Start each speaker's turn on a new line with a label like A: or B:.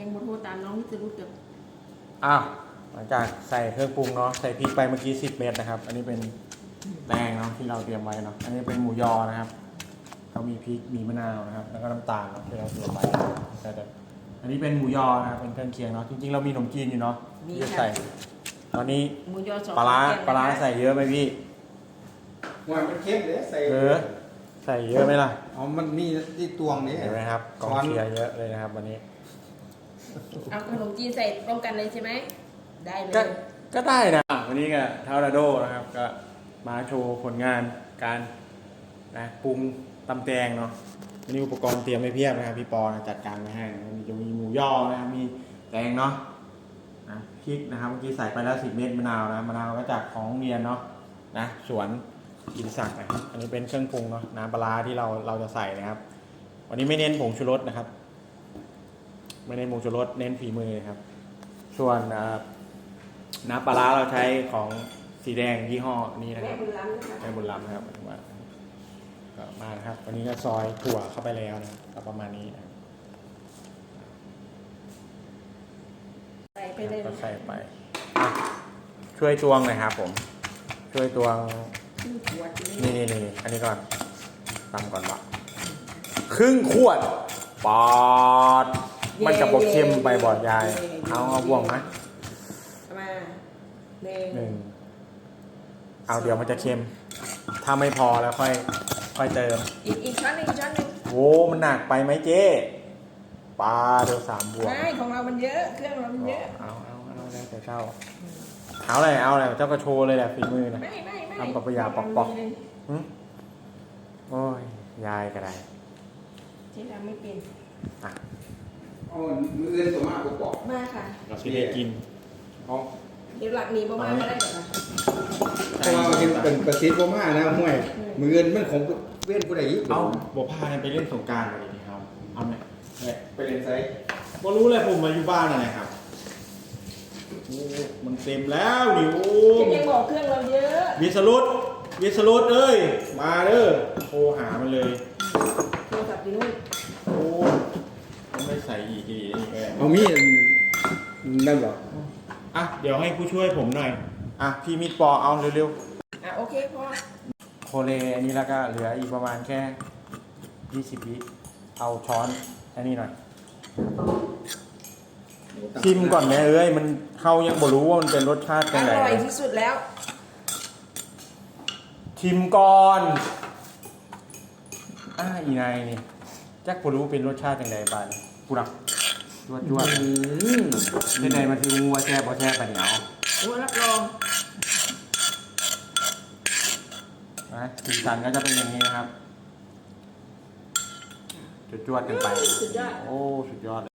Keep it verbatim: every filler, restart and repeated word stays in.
A: ยังบนโทรตามน้องจะรู้จัก
B: อ้าวหลังจากใส่เครื่องปรุงเนาะใส่พริกไปเมื่อกี้สิบเม็ดนะครับอันนี้เป็นแป้งเนาะที่เราเตรียมไว้เนาะอันนี้เป็นหมูยอนะครับเขามีพริกมีมะนาวนะครับแล้วก็น้ำตาลเนาะที่เราเตรียมไว้แต่อันนี้เป็นหมูยอนะครับเป็นเครื่องเคียงเนาะจริงๆเรามีขนมจีนอยู่เนาะที่จะใส่ตอนนี้
A: หมูยอสอง
B: ปลาร้าปลาร้าใส่เยอะไหมพี่
C: ว่ามันเข้มเลยใส่
B: เออใส่เยอะไหมล่ะ
C: อ๋อมันมีที่ตวงนี่
B: เห็นไหมครับกองเชียร์เยอะเลยนะครับวันนี้
A: เอาขนมจีนใส่ร่วมกันเลยใช่ไหมได้เลย
B: ก็ได้นะวันนี้ก็เทาราโดนะครับก็มาโชว์ผลงานการนะปรุงตำแตงเนาะวันนี้อุปกรณ์เตรียมไว้เพียบนะครับพี่ปอนะจัดการไว้ให้นะมีจะมีหมูย่อนะครับมีแตงเนาะนะพริกนะครับเมื่อกี้ใส่ไปแล้วสิบเม็ดมะนาวนะมะนาวก็จากของโรงเรียนเนาะนะสวนกินสักนะครับอันนี้เป็นเครื่องปรุงเนาะน้ำปลาที่เราเราจะใส่นะครับวันนี้ไม่เน้นผงชูรสนะครับไม่เน้นผงชูรสเน้นฝีมือครับส่วนน้ำปลาเราใช้ของสีแดงยี่ห้อนี้นะครับแม่บุญล้ำนะครับแม่บุญล้ำนะครับว่าก็มานะครับวันนี้ก็ซอยถั่วเข้าไปแล้วนะก็ประมาณนี้นะ
A: ใส่ไปเลย
B: ก็ใส่ไปช่วยตวงหน่อยครับผมช่วยตวงนี่นี่นี่อันนี้ก่อนตำก่อนวะครึ่งขวดปอดมันจะบอกเค็มไปบอดยายเอาเอาบ่วงไหม
A: มา
B: หนึ่งเอาเดี๋ยวมันจะเค็มถ้าไม่พอแล้วค่อยค่อยเติม
A: อีกอีกช้อนหนึ่งช้อนหนึ่ง
B: โอ้มันหนักไปไหมเจ๊ปลาเดี๋ยวสามบวก
A: ไม่ของเรามันเยอะเครื่องเรามันเยอะ
B: เอาเอาเอาแล้วแต่เจ้าเอาอะไรเอาอะไรเจ้าก็โชว์เลยแหละฝีมือนะ
A: ไม่ไม่ไม่
B: ทำกับปยาปอกปอกโอ้ยยายก็ได้
A: เจ๊ทำไม่เป็น
B: อ่ะ
C: อ๋อมือเอื้อนตัวมากปอก
A: มาค่ะ
B: เราที่ได้กิน
C: อ๋อ
A: เดี๋ยวหลักหนีประมาณก็ได้เหรอ
C: เพราะว่ามันเป็นประสิทธิ์ประมาณนะห่วยมือเอื้อนมันของเว้นผู้ใดยิ่ง
B: เอาบอกพาไปเล่นสงการมาดีครับเอาไหม
C: ไปเล่นไซส์
B: บอรู้เลยผมมาอยู่บ้านอะไรครับโอ้มันเต็มแล้วดิโอ้
A: ยังบอกเครื่องเราเยอะ
B: วิสรุตวิสรุตเอ้ยมาเด้อโทรหามันเลย
A: โทรศัพท์อยู่นู่น
B: โอ้ต้องไม่ใส่อีกทีนี่แก
C: เอามีดนั่นหรอ
B: อ่ะเดี๋ยวให้ผู้ช่วยผมหน่อยอ่ะพี่มิดปอเอาเร็ว
A: ๆอ่ะโอเคพอ
B: โคเลอันนี้แล้วก็เหลืออีกประมาณแค่ยี่สิบวิเอาช้อนอันนี้หน่อยชิมก่อนแม่เอ้ยมันเขายังบ่รู้ว่ามันเป็นรสชาติยังไง
A: อร่อยที่สุดแล้ว
B: ชิมก่อนอ่าอีนายนี่จักบ่รู้เป็นรสชาติยังไงบ้างกูรักจวดจวดที่ไหนมันคืองัวแช่บ่แช่ปะเหนียว
A: งัวรับรอง
B: นะสีสันก็จะเป็นอย่างนี้นะครับจวดจวดกันไป
A: สุดยอด
B: โอ้สุดยอด